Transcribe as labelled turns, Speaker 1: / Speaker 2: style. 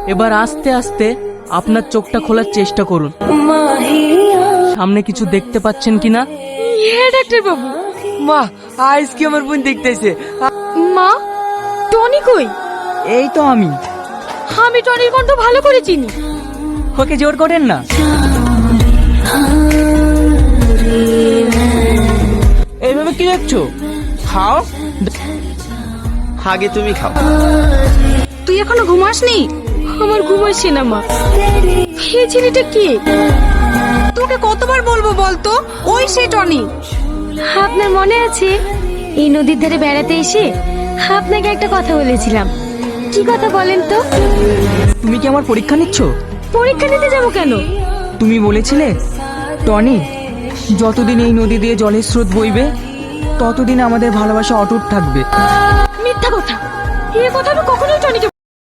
Speaker 1: এবার আস্তে আস্তে আপনার চোখটা খোলার চেষ্টা করুন। সামনে কিছু দেখতে পাচ্ছেন কিনা?
Speaker 2: হ্যাঁ ডাক্তার বাবু।
Speaker 3: মা, আজকে আমার বোন দেখতেছে।
Speaker 2: মা, টনি কই?
Speaker 3: এই তো আমি।
Speaker 2: আমি টনির কণ্ঠ ভালো করে চিনি।
Speaker 3: ওকে জোর করেন না। এইভাবে কি দেখছো? খাও।
Speaker 4: আগে তুমি খাও।
Speaker 2: তুই এখনো ঘুমাসনি? আমার ঘুম আসছে না মা। এই ছেলেটা কে? তোকে কতবার বলবো বলতো, ওই সে টনি। আপনার মনে আছে এই নদীর ধারে বেড়াতে এসে আপনাকে একটা কথা বলেছিলাম? কি কথা বলেন তো?
Speaker 3: তুমি কি আমার পরীক্ষা নিচ্ছ?
Speaker 2: পরীক্ষা নিতে যাবো কেন?
Speaker 3: তুমি বলেছিলে টনি, যতদিন এই নদী দিয়ে জলের স্রোত বইবে ততদিন আমাদের ভালোবাসা অটুট থাকবে।
Speaker 2: মিথ্যা কথা। এই কথা আমি কখনোই টনিকে